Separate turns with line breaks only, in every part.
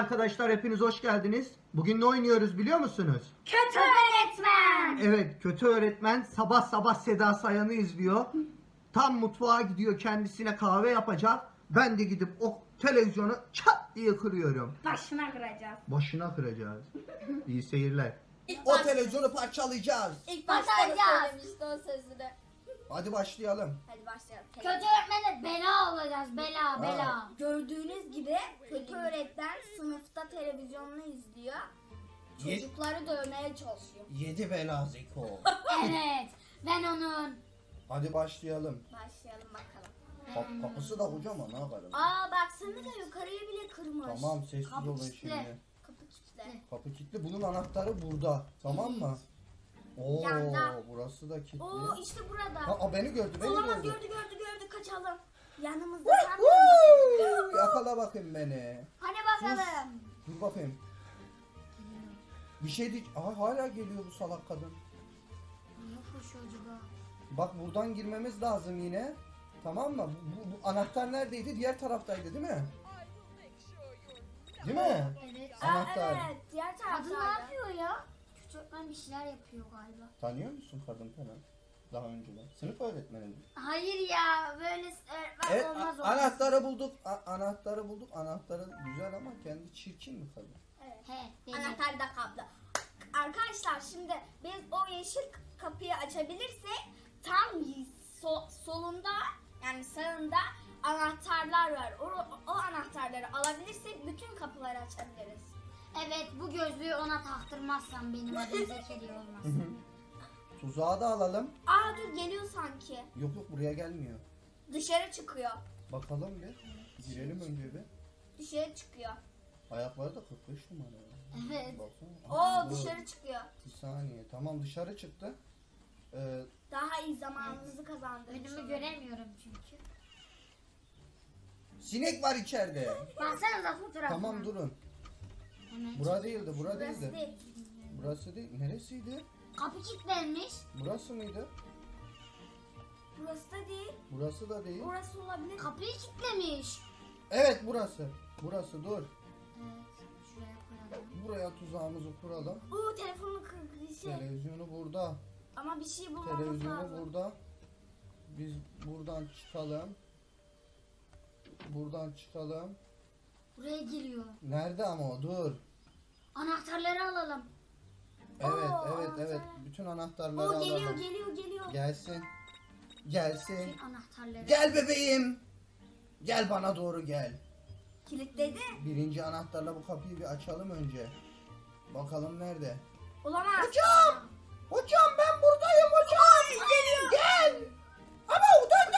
arkadaşlar, hepiniz hoş geldiniz. Bugün ne oynuyoruz biliyor musunuz?
Kötü öğretmen.
Evet, kötü öğretmen sabah sabah Seda Sayan'ı izliyor. Tam mutfağa gidiyor, kendisine kahve yapacak. Ben de gidip o televizyonu çat diye kırıyorum.
Başına kıracağız.
Başına kıracağız. İyi seyirler.
İlk
O televizyonu parçalayacağız.
İlk başta da söylemişti o sözünü.
Hadi başlayalım.
Hadi başlayalım.
Kötü öğretmene bela olacağız. Bela.
Gördüğünüz gibi kötü öğretmen sınıfta televizyonunu izliyor. Çocukları dövmeye çalışıyor.
7 bela Zeko.
Evet. Ben onun.
Hadi başlayalım.
Başlayalım bakalım.
Kapısı da kocaman, ne yapalım?
Aa baksana da yukarıya bile kırmış.
Tamam, sessiz
Kapı
olun
kilitli.
şimdi.
Kapı kilitli.
Kapı kilitli. Bunun anahtarı burada. Tamam mı? Oo,
Yanda.
burası da kilitli.
Oo işte burada.
Ha, beni gördü, beni
Olamaz,
gördü.
gördü kaçalım. Yanımızda sen
Woo! Yakala bakayım beni.
Hani bakalım.
Dur bakayım. Bir şey değil. Aha, hala geliyor bu salak kadın.
Niye koşuyor acaba?
Bak, buradan girmemiz lazım yine. Tamam mı? Bu anahtar neredeydi? Diğer taraftaydı değil mi? Değil mi?
Evet.
Anahtar.
Evet diğer
Kadın ne
tarafta.
yapıyor ya? Kötü öğretmen bir şeyler yapıyor galiba.
Tanıyor musun kadın falan? Daha önceden. Sınıf öğretmeni mi?
Hayır ya. Böyle öğretmen
Evet,
olmaz.
anahtarı bulduk. Anahtarı bulduk. Anahtarı güzel ama kendi çirkin mi kadın?
Evet.
He. Deli.
Anahtar da kaplı. Arkadaşlar şimdi biz o yeşil kapıyı açabilirsek tam solunda yani sağında anahtarlar var. O anahtarları alabilirsek bütün kapıları açabiliriz.
Evet, bu gözlüğü ona taktırmazsam benim adım Zekeriya olmasın.
Tuzağı da alalım.
Aa dur geliyor sanki.
Yok yok, buraya gelmiyor.
Dışarı çıkıyor.
Bakalım bir. Girelim önce bir.
Dışarı çıkıyor.
Ayakları da 45 numara.
Evet.
Baksana.
Oo
Dur.
dışarı çıkıyor.
Bir saniye. Tamam, dışarı çıktı.
Daha iyi zamanımızı kazandık.
Önümü göremiyorum çünkü.
Sinek var içeride.
Baksanıza fotoğrafına.
Tamam, durun.
Hemen.
Bura değildi, bura
Burası
değildi.
değil.
Burası değil. Neresiydi?
Kapı kilitlenmiş.
Burası mıydı?
Burası da değil.
Burası da değil.
Burası olabilir.
Kapıyı kilitlemiş.
Evet, burası. Burası, dur.
Evet. Şuraya koyalım.
Buraya tuzağımızı kuralım.
Oo telefonunu kırdı şey.
Televizyonu burada.
Ama bir şey bulmamız
Televizyonu
lazım.
burada. Biz buradan çıkalım. Buradan çıkalım.
Buraya geliyor.
Nerede ama o? Dur.
Anahtarları alalım.
Evet,
Oo,
evet,
anahtar.
evet. Bütün anahtarları
Oo geliyor
alalım.
geliyor.
Gelsin. Gelsin.
Bütün anahtarları.
Gel bebeğim. Gel bana doğru gel.
Kilitledi.
Birinci anahtarla bu kapıyı bir açalım önce. Bakalım nerede?
Olamaz.
Hocam! Hocam, ben buradayım hocam.
Geliyor.
Gel. Ama o döndü.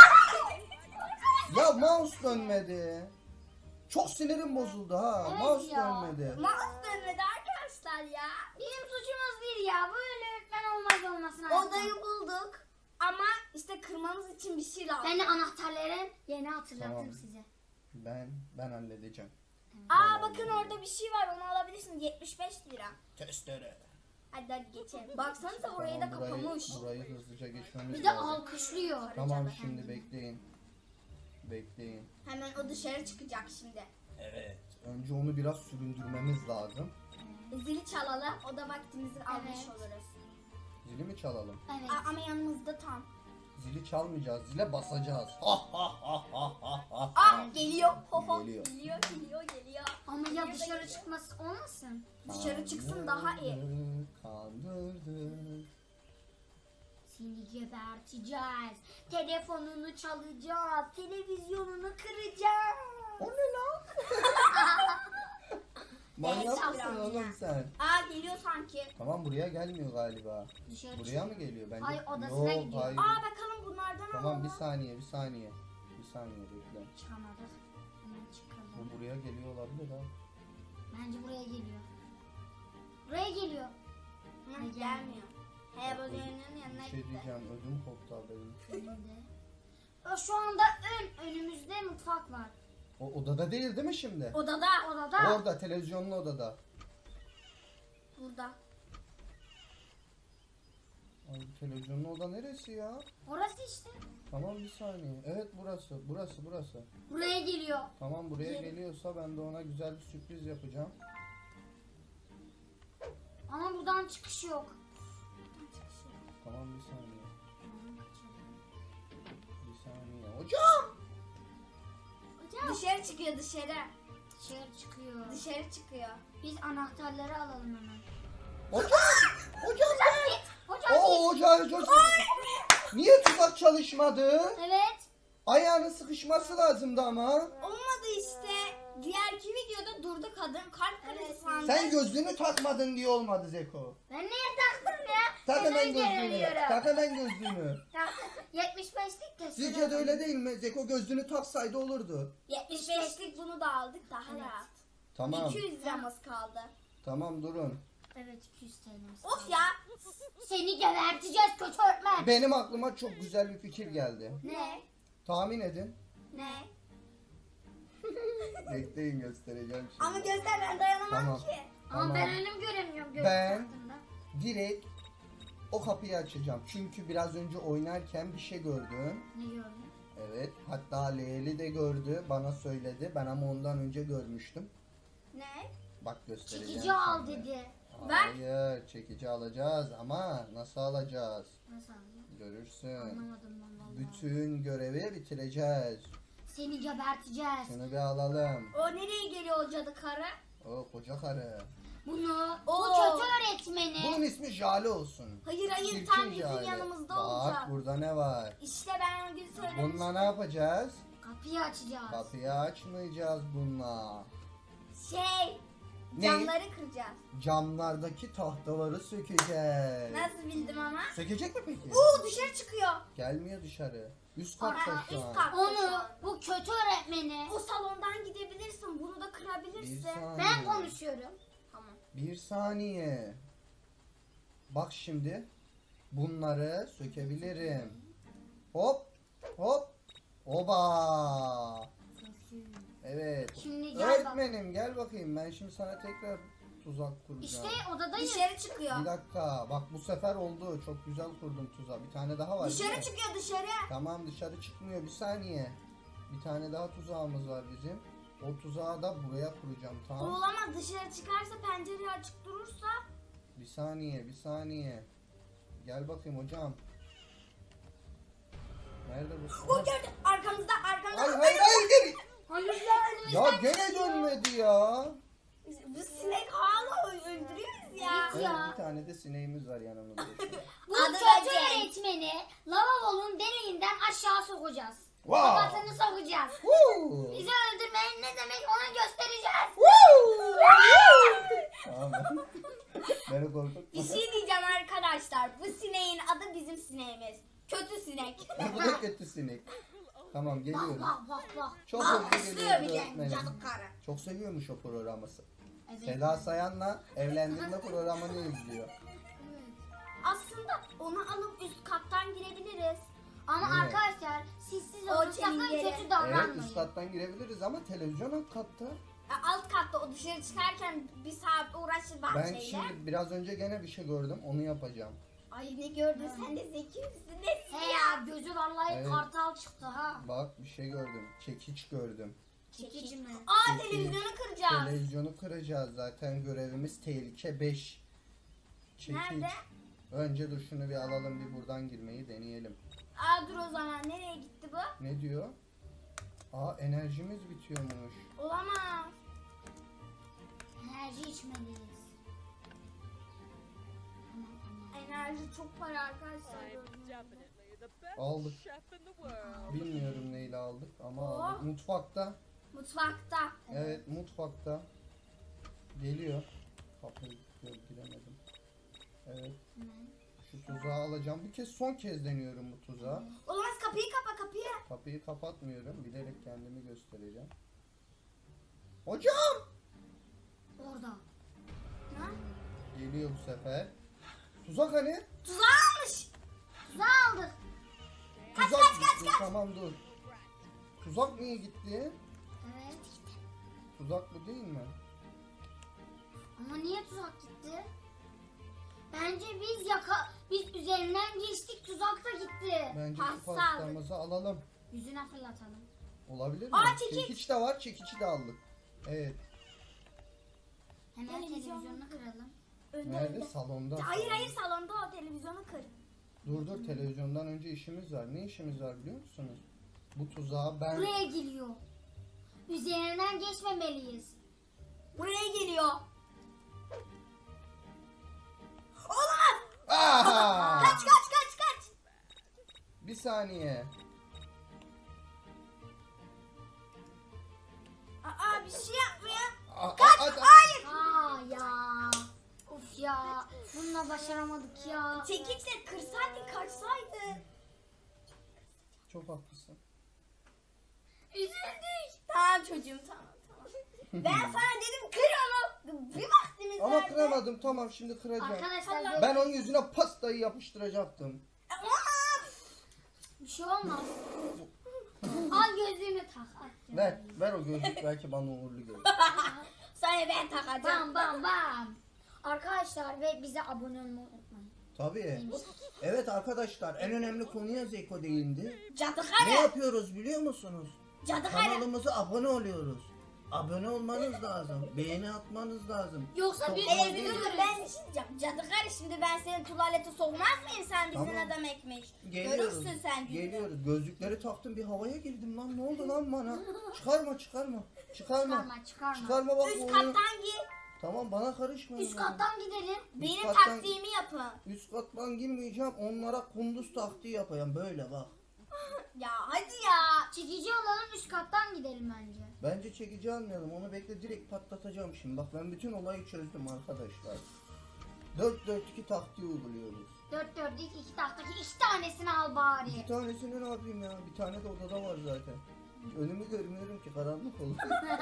Ya mouse dönmedi. Çok sinirim bozuldu ha.
Evet
Mouse
ya.
dönmedi.
Mouse dönmedi arkadaşlar ya.
Bizim suçumuz değil ya. Böyle öğretmen olmaz olmasın artık.
Odayı bulduk. Ama işte kırmamız için bir şey lazım.
Ben de anahtarların yerini hatırlattım
Tamam.
size.
Ben halledeceğim.
Aa bakın orada bir şey var, onu alabilirsiniz. 75 lira.
Testere.
Hadi geçelim. Baksanıza orayı da
Tamam,
kapamış.
burayı hızlıca geçmemiz
Bir de
lazım.
alkışlıyor.
Tamam, şimdi bekleyin. Bekleyin.
Hemen o dışarı çıkacak şimdi.
Evet. Önce onu biraz süründürmemiz lazım.
Zili çalalım. O da vaktimizi almış
Evet.
oluruz.
Zili mi çalalım?
Evet.
Ama yanımızda tam.
Zili çalmayacağız. Zile basacağız. Ha ha ha ha ha ha.
Aa geliyor. Ho ho.
Geliyor.
Geliyor.
Ama ya
Geliyor da
dışarı
geliyor.
çıkması olmasın?
Dışarı çıksın daha iyi.
Kandırdık.
Seni geberteceğiz. Telefonunu çalacağız. Televizyonunu kıracağız.
O ne lan? Manyak
Evet,
mısın
biraz
oğlum
ya.
sen?
Aa geliyor sanki.
Tamam, buraya gelmiyor galiba.
Dışarı
Buraya mı geliyor? Bence.
Hayır, odasına
Yok,
gidiyor.
hayır.
Aa bakalım bunlardan
Tamam,
alalım.
bir saniye. Bir saniye bekle.
çıkamadık. Hemen çıkalım.
Bu buraya geliyor olabilir ha.
Bence buraya geliyor. Buraya geliyor.
Hı, gelmiyor. Heyecanın yanına
Bir şey
gitti.
diyeceğim, ödüm koptu benim.
Önünde. Şu anda önümüzde mutfak var.
O odada değil mi şimdi?
Odada.
Odada.
Orada, televizyonlu odada.
Burada.
Ay, televizyonun oda neresi ya?
Orası işte.
Tamam bir saniye. Evet burası.
Buraya geliyor.
Tamam buraya geliyorsa ben de ona güzel bir sürpriz yapacağım.
Ama buradan çıkış yok.
Tamam bir saniye. Bir saniye. Hocam!
Dışarı çıkıyor dışarı.
Dışarı çıkıyor.
Dışarı çıkıyor.
Biz anahtarları alalım hemen.
Hocam! Hocam ben!
Hocam
Oo hocam. Niye tuzak çalışmadı?
Evet.
Ayağının sıkışması lazımdı ama.
Olmadı işte. Diğerki videoda durdu kadın kalp krizi sandı.
Sen gözlüğünü takmadın diye olmadı Zeko.
Ben niye taktım ya?
Tak hemen
Neden
gözlüğünü.
göremiyorum?
Tak hemen gözlüğünü.
Taktım. 75'lik de
Sizce de öyle değil mi? Zeko gözlüğünü taksaydı olurdu.
75'lik bunu da aldık daha rahat.
Tamam.
200 liramız kaldı.
Tamam durun.
Evet 200 TL'miz.
Of ya.
Seni geberteceğiz kötü öğretmen.
Benim aklıma çok güzel bir fikir geldi.
Ne?
Tahmin edin.
Ne?
Bekleyin göstereceğim şimdi.
Ama gözler ben dayanamam
Tamam.
ki.
Ama
Tamam.
ben önüm göremiyorum gözlük
Ben-
taktığımda.
Direkt o kapıyı açacağım. Çünkü biraz önce oynarken bir şey gördüm.
Ne gördün?
Evet. Hatta Leyli de gördü. Bana söyledi. Ben ama ondan önce görmüştüm.
Ne?
Bak göstereceğim.
Çekici al
şimdi.
dedi.
Hayır. Çekici alacağız ama nasıl alacağız?
Nasıl alacağım?
Görürsün.
Anlamadım ben vallahi.
Bütün görevi bitireceğiz.
Seni geberteceğiz.
Şunu bir alalım.
O nereye geliyor o cadı karı?
O koca karı.
Bunu bu
Oo.
kötü öğretmeni.
Bunun ismi Jale olsun.
Hayır
Çirkin
tam bizim
Jale.
yanımızda
Bak
olacak.
burada ne var?
İşte ben o gün söylemiştim.
Bununla ne yapacağız?
Kapıyı açacağız.
Kapıyı açmayacağız bununla.
Şey.
Ne?
Camları kıracağız.
Camlardaki tahtaları sökeceğiz.
Nasıl bildim ama?
Sökecek mi peki?
Oo dışarı çıkıyor.
Gelmiyor dışarı. Üst katta
Aa,
şu
üst
an.
kat.
Onu bu kötü öğretmeni.
O salondan gidebilirsin. Bunu da
Bir
kırabilirsin.
saniye.
Ben konuşuyorum.
Tamam.
Bir saniye. Bak şimdi. Bunları sökebilirim. Hop. Hop. Oba. Evet.
Şimdi gel
Öğretmenim gel bakayım. Ben şimdi sana tekrar tuzak kuracağım.
İşte odadayız.
Dışarı çıkıyor.
Bir dakika. Bak bu sefer oldu. Çok güzel kurdum tuzağı. Bir tane daha var. değil
Dışarı
mi?
çıkıyor dışarı.
Tamam dışarı çıkmıyor. Bir saniye. Bir tane daha tuzağımız var bizim. O tuzağı da buraya kuracağım.
O
Tamam.
olamaz. Dışarı çıkarsa pencereyi açık durursa.
Bir saniye. Bir saniye. Gel bakayım hocam. Nerede bu?
O gördü. Arkamızda.
Hayır geri.
Hayır ya.
Ya gene dönmedi ya.
Bu sinek hala öldürüyoruz ya.
Evet. Ya.
Bir tane de sineğimiz var yanımızda.
Bu
Adı
kötü
Recep.
öğretmeni lavabonun deliğinden aşağı sokacağız.
Wow.
Kafasını sokacağız.
Woo.
Bizi öldürmenin ne demek ona göstereceğiz.
Tamam. Beni korkutma.
Bir şey diyeceğim arkadaşlar. Bu sineğin adı bizim sineğimiz. Kötü sinek.
Bu da kötü sinek. Tamam
Bak
geliyoruz.
bak.
Çok
Bak
hızlı
istiyor
geliyoruz
bir de.
öğretmenim.
Cadı karı.
Çok seviyormuş o programı.
Evet.
Seda Sayan'la evlendirme programını izliyor.
Aslında onu alıp üst kattan girebiliriz.
Ama
Evet.
arkadaşlar siz
O
olun sakın
çengeli.
kötü
Evet
davranmayın.
üst kattan girebiliriz ama televizyon alt katta.
Alt katta o dışarı çıkarken bir saat uğraşır
Ben
bahçeyle.
şimdi biraz önce gene bir şey gördüm onu yapacağım.
Ay ne gördün sen de zeki misin? Ne
He ya gözü vallahi
Evet.
kartal çıktı ha.
Bak bir şey gördüm. Çekiç gördüm.
Çekici mi?
Aa
Çekiç.
televizyonu kıracağız.
Televizyonu kıracağız zaten görevimiz tehlike 5. Çekiç.
Nerede?
Önce dur şunu bir alalım bir buradan girmeyi deneyelim.
Aa dur o zaman nereye gitti bu?
Ne diyor? Aa enerjimiz bitiyormuş.
Olamaz.
Enerji içmeliyiz.
Enerji çok para arkadaşlar.
Definitely the best
Aldık.
chef in the world.
Bilmiyorum neyle aldık ama
Oo.
aldık. Mutfakta.
Mutfakta.
Evet mutfakta. Geliyor. Kapıyı giremedim. Evet. Şu tuzağı alacağım. Bu kez son kez deniyorum bu tuzağı.
Olamaz kapıyı kapa kapıyı.
Kapıyı kapatmıyorum. Bilerek kendimi göstereceğim. Hocam!
Orada.
Ha?
Geliyor bu sefer. Tuzak hani?
Tuzağı almış.
Tuzağı aldık.
Tuzak gitti. Tamam dur. Tuzak niye gitti?
Evet.
Tuzak bu değil mi?
Ama niye tuzak gitti? Bence Biz üzerinden geçtik, tuzak da gitti.
Bence
Pasta
şu pastamızı alalım.
Yüzüne fırlatalım.
Olabilir mi?
Aa, çekiç.
Çekiç de var, çekici de aldık. Evet.
Hemen
Televizyon.
televizyonu kıralım.
Önde,
Nerede?
önde.
Salonda.
Hayır hayır, salonda o televizyonu kır.
Dur televizyondan önce işimiz var. Ne işimiz var biliyor musunuz? Bu tuzağa ben...
Buraya geliyor. Üzerinden geçmemeliyiz.
Buraya geliyor. Olamaz.
Aha!
Kaç kaç kaç kaç.
Bir saniye.
Aa, bir şey yapmıyor.
Kaç!
Hayır.
Aa ya. Of ya. Bununla başaramadık ya.
Çekiçle kırsaydın, kaçsaydı.
Çok haklısın.
Üzüldük. Tamam çocuğum, tamam tamam. Ben sana dedim kır onu. Bir vaktimiz
Ama
vardı.
kıramadım. Tamam şimdi kıracağım.
Arkadaşlar
Ben onun yüzüne pastayı yapıştıracaktım.
Ama
bir şey olmaz. Al gözlüğünü tak. At
Ver o gözlük belki bana uğurlu gelir.
sana ben takacağım.
Bam bam bam. Arkadaşlar ve bize abone olmayı unutmayın.
Tabii. Evet arkadaşlar en önemli konuya Zeko değindi.
Cadı
Ne
karı.
yapıyoruz biliyor musunuz?
Cadı karı.
Kanalımıza abone oluyoruz. Abone olmanız lazım. Beğeni atmanız lazım.
Yoksa
Çok
biz
kolay
Evet,
değil.
dur ben bir şey diyeceğim. Cadı karı, şimdi ben seni tuvalete sokmaz mıyım, sen bizim
Tamam.
adam ekmek.
Geliyoruz.
Görürsün sen gününü.
Geliyoruz. Gözlükleri taktım bir havaya girdim lan. Ne oldu lan bana? Çıkarma.
çıkarma.
Çıkarma bak bu
Üst
oyunu.
kattan gir.
Tamam bana karışmayın.
Üst kattan gidelim.
Benim
kattan-
taktiğimi yapın.
Üst kattan girmeyeceğim. Onlara kunduz taktiği yapayım. Böyle bak.
Ya hadi ya.
Çekici alalım, üst kattan gidelim bence.
Bence çekici almayalım. Onu bekle direkt patlatacağım şimdi. Bak ben bütün olayı çözdüm arkadaşlar. 4-4-2 taktiği uyguluyoruz.
4-4'lük 2 taktaki 2 tanesini al bari.
Bir tanesini ne yapayım ya? Bir tane de odada var zaten. Önümü görmüyorum ki karanlık olur.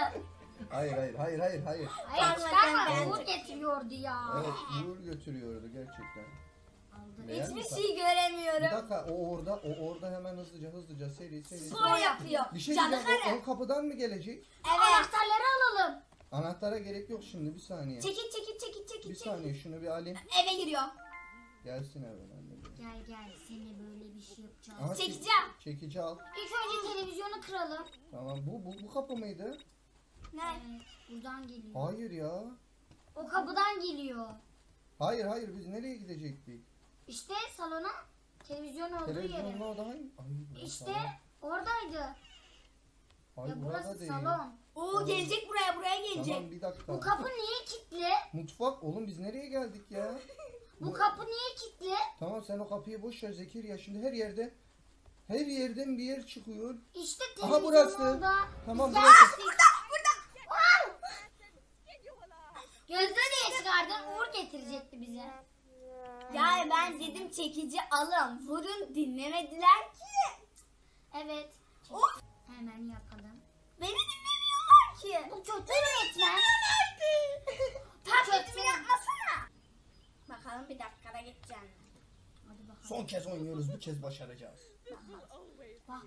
hayır.
Hayır
Tamam,
çıkarma,
ben-
Uğur getiriyordu ya.
Evet Uğur götürüyordu gerçekten.
Aldı.
Beğendin mi?
Hiçbir şey
Bir
göremiyorum.
dakika o orada hemen hızlıca seri.
Spor yapıyor.
Bir şey
Cadı
diyeceğim
karı.
o kapıdan mı gelecek?
Evet.
Anahtarları alalım.
Anahtara gerek yok şimdi bir saniye.
Çekil.
Bir saniye şunu bir alayım.
Eve giriyor.
Gelsin hemen anne.
Gel seni böyle bir şey yapacağız.
Aha,
Çekeceğim.
Çekici al.
İlk önce televizyonu kıralım.
Tamam bu kapı mıydı?
Ne?
Evet, buradan geliyor.
Hayır ya.
O kapıdan geliyor.
Hayır biz nereye gidecektik?
İşte salona televizyon olduğu
Televizyonun
yere.
orada hayır. Burası
İşte
salon.
oradaydı.
Hayır
Ya
burada
burası
değil.
salon.
Oo, gelecek buraya gelecek.
Tamam bir dakika.
Bu kapı niye kilitli?
Mutfak oğlum biz nereye geldik ya?
Bu kapı niye kilitli?
Tamam sen o kapıyı boş ver Zekeriya şimdi her yerden bir yer çıkıyor.
İşte
Aha,
televizyon
burası.
orada.
Tamam
Biz
burası.
geldik. Gözlüğü niye çıkardın? Uğur getirecekti bize.
Yani ben dedim çekici alın. Vurun, dinlemediler ki.
Evet.
Of.
Hemen yapalım.
Beni dinlemiyorlar ki.
Bu kötü öğretmen.
Taklitimi yapmasana. Bakalım bir dakikada geçeceğim.
Hadi bakalım.
Son kez oynuyoruz bu kez başaracağız.
Bak.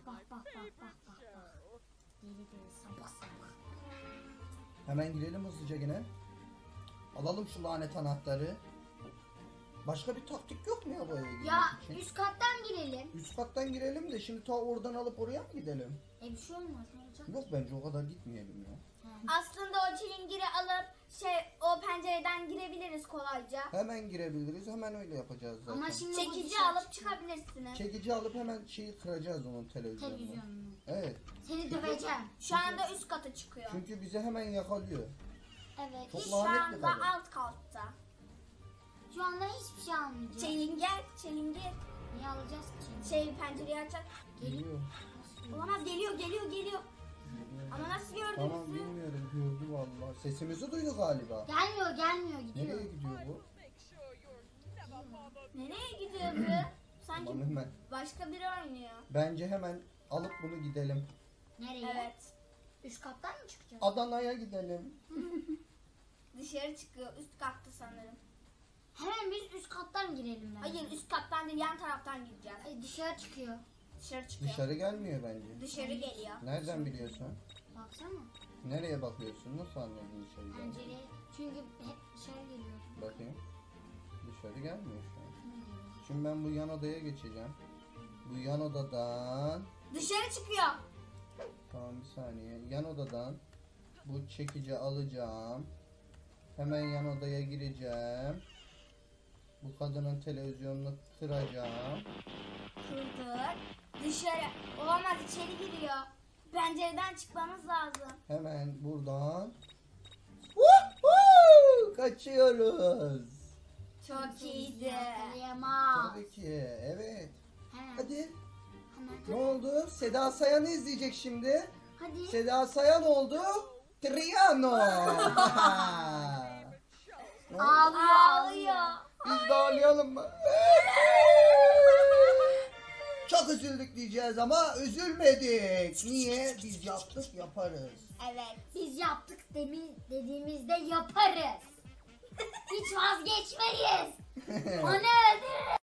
Deli sabah.
Hemen girelim hızlıca yine. Alalım şu lanet anahtarı. Başka bir taktik yok mu ya bu eve girmek
Ya
için?
üst kattan girelim.
Üst kattan girelim de şimdi ta oradan alıp oraya mı gidelim?
Bir şey olmaz. Ne olacak?
Yok bence o kadar gitmeyelim ya.
Aslında o çilingiri alıp o pencereden girebiliriz kolayca.
Hemen girebiliriz hemen öyle yapacağız zaten.
Ama şimdi bu
Çekici
dışarı
alıp
çıkıyor.
çıkabilirsiniz.
Çekici alıp hemen şeyi kıracağız onun televizyonunu.
Televizyonunu.
Evet.
Seni döveceğim.
Şu anda üst kata çıkıyor.
Çünkü bizi hemen yakalıyor.
Evet.
Çok
Şu
lanetli
anda
kadın.
alt katta.
Şu anda hiçbir şey almayacağız.
Çilingir.
Niye alacağız ki şimdi?
Pencereyi açacak.
Geliyor.
Olamaz, geliyor. Ama nasıl gördünüz?
Tamam bilmiyorum gördü vallahi. Sesimizi duydu galiba.
Gelmiyor gidiyor.
Nereye gidiyor bu?
Nereye gidiyor bu? Sanki
Tamam hemen.
başka biri oynuyor.
Bence hemen alıp bunu gidelim.
Nereye?
Evet.
Üst kattan mı çıkacağız?
Adana'ya gidelim.
Dışarı çıkıyor. Üst katta sanırım.
Hemen biz üst kattan girelim bence.
Hayır, üst kattan değil, yan taraftan gideceğiz.
Ay, dışarı çıkıyor.
Dışarı çıkıyor.
Dışarı gelmiyor bence.
Dışarı geliyor.
Nereden biliyorsun?
Baksana.
Nereye bakıyorsun? Nasıl anladın dışarı geldiğini?
Pencereye. Çünkü hep dışarı geliyor.
Bakayım. dışarı gelmiyor şu an. Şimdi ben bu yan odaya geçeceğim. Bu yan odadan...
Dışarı çıkıyor.
Tamam bir saniye. Yan odadan bu çekici alacağım. Hemen yan odaya gireceğim. Bu kadının televizyonunu kıracağım.
Kırdık. Dışarı. Olamaz, içeri giriyor. Pencereden çıkmamız lazım.
Hemen buradan Woohoo! Kaçıyoruz.
Çok iyiydi.
Yakalayamaz.
Tabii ki. Evet.
Hemen.
Hadi.
Hemen.
Ne oldu? Seda Sayan'ı izleyecek şimdi.
Hadi.
Seda Sayan oldu. Triano.
Ağlıyor.
Biz de ağlayalım mı? Çok üzüldük diyeceğiz ama üzülmedik. Niye? Biz yaptık yaparız.
Evet.
Biz yaptık dediğimizde yaparız. Hiç vazgeçmeyiz. Onu öldürürüz.